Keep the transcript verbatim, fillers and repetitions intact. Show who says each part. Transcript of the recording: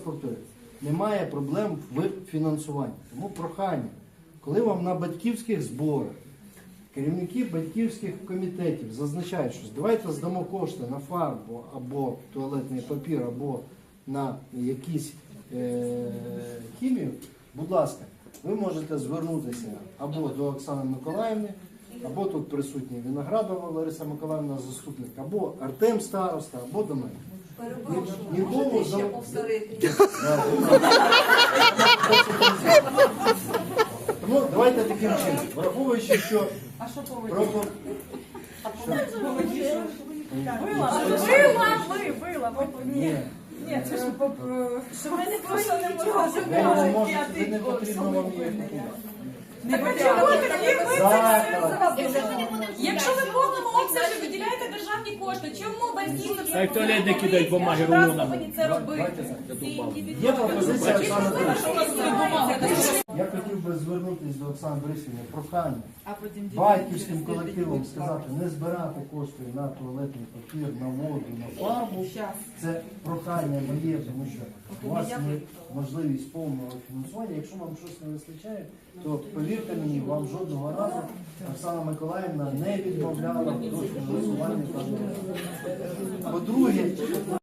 Speaker 1: повторюю, немає проблем в фінансуванні. Тому прохання, коли вам на батьківських зборах керівники батьківських комітетів зазначають, що давайте здамо кошти на фарбу або туалетний папір, або на якісь е- хімію, будь ласка, ви можете звернутися або до Оксани Миколаївни, або тут присутній Виноградова Лариса Миколаївна, заступник, або Артем староста, або до мене.
Speaker 2: Перепрошую, можете ще повторити?
Speaker 1: Тому давайте таким чином, враховуючи, що
Speaker 3: А що
Speaker 1: про...
Speaker 3: повинні? Вила, вила, вила. Ні, ні, це ж що ми не просто не можемо
Speaker 1: Ви не можете, ви не потрібно вам її купувати.
Speaker 3: Не потрібно.
Speaker 1: Заклад.
Speaker 4: Якщо ви в повному обсязі виділяєте державні кошти, чому батьки не
Speaker 5: Так туалет не кидають бумаги рулонами.
Speaker 4: повинні це робити?
Speaker 1: Є пропозиція Оксани Борисівни. Я хотів би звернутися до Оксани Борисівни, прохання батьківським колективом сказати, не збирати кошти на туалетний папір, на воду, на фарбу. Це прохання моє, тому що у вас є можливість повного фінансування. Якщо вам щось не вистачає, то повірте мені, вам жодного разу Оксана Миколаївна не відмовляла в фінансуванні. По-друге,